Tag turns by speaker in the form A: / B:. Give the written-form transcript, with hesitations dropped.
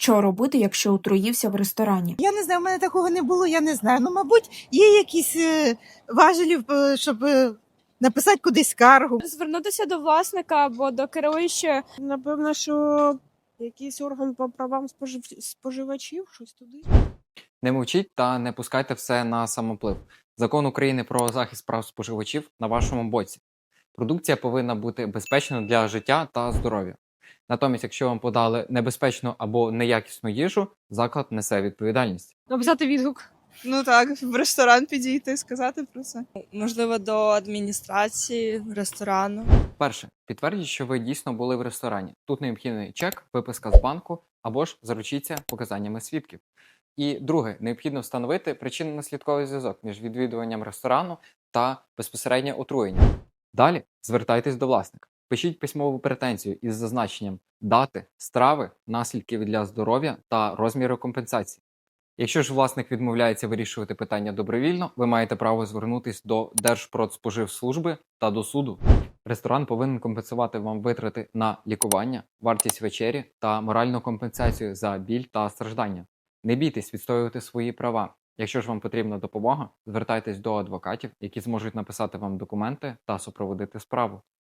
A: Що робити, якщо отруївся в ресторані?
B: Я не знаю, в мене такого не було, я не знаю. Ну, мабуть, є якісь важелі, щоб написати кудись скаргу.
C: Звернутися до власника або до керуючого.
D: Напевно, що якийсь орган по правам споживачів, щось туди.
E: Не мовчіть та не пускайте все на самоплив. Закон України про захист прав споживачів на вашому боці. Продукція повинна бути безпечною для життя та здоров'я. Натомість, якщо вам подали небезпечну або неякісну їжу, заклад несе відповідальність.
C: Написати відгук.
F: Ну так, в ресторан підійти, сказати про це.
G: Можливо, до адміністрації ресторану.
E: Перше, підтвердіть, що ви дійсно були в ресторані. Тут необхідний чек, виписка з банку або ж заручіться показаннями свідків. І друге, необхідно встановити причинно-наслідковий зв'язок між відвідуванням ресторану та безпосередньо отруєнням. Далі звертайтесь до власника. Пишіть письмову претензію із зазначенням дати, страви, наслідків для здоров'я та розміру компенсації. Якщо ж власник відмовляється вирішувати питання добровільно, ви маєте право звернутися до Держпродспоживслужби та до суду. Ресторан повинен компенсувати вам витрати на лікування, вартість вечері та моральну компенсацію за біль та страждання. Не бійтесь відстоювати свої права. Якщо ж вам потрібна допомога, звертайтесь до адвокатів, які зможуть написати вам документи та супроводити справу.